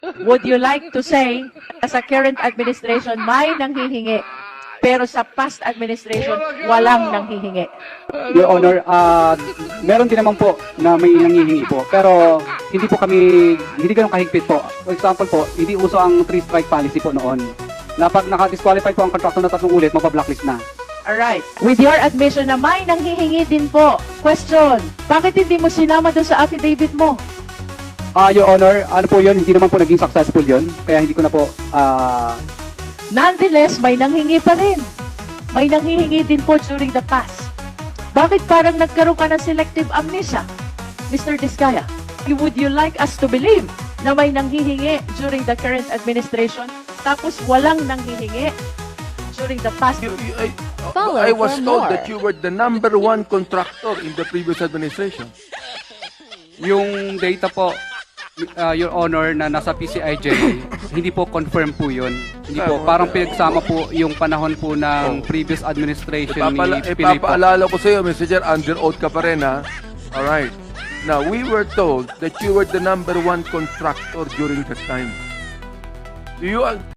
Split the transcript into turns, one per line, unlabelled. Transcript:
Would you like to say, sa current administration, may nanghihingi, pero sa past administration, walang nanghihingi?
Your Honor, meron din naman po na may nangihingi po. Pero hindi ganun kahigpit po. For example po, hindi uso ang 3-strike policy po noon. Na pag naka-disqualify po ang contractor na 3 ulit, mapablacklist na.
Alright. With your admission na may nanghihingi din po. Question, bakit hindi mo sinama doon sa affidavit mo?
Your Honor, ano po yun, hindi naman po naging successful yun. Kaya hindi ko na po,
Nonetheless, may nanghingi pa rin. May nanghihingi din po during the past. Bakit parang nagkaroon ka ng selective amnesia, Mr. Diskaya? Would you like us to believe na may nanghihingi during the current administration, tapos walang nanghihingi during the past?
Follow
I was
for
told
more.
that you were the #1 contractor in the previous administration.
yung data po, Your Honor, na nasa PCIJ, hindi po confirm po yun. Hindi po, parang pinagsama po yung panahon po ng previous administration ni Pinoy po.
Ipapaalala ko sa iyo, Mr. Chair, under oath ka pa rin, ha? Alright. Now, we were told that you were the #1 contractor during that time. Do you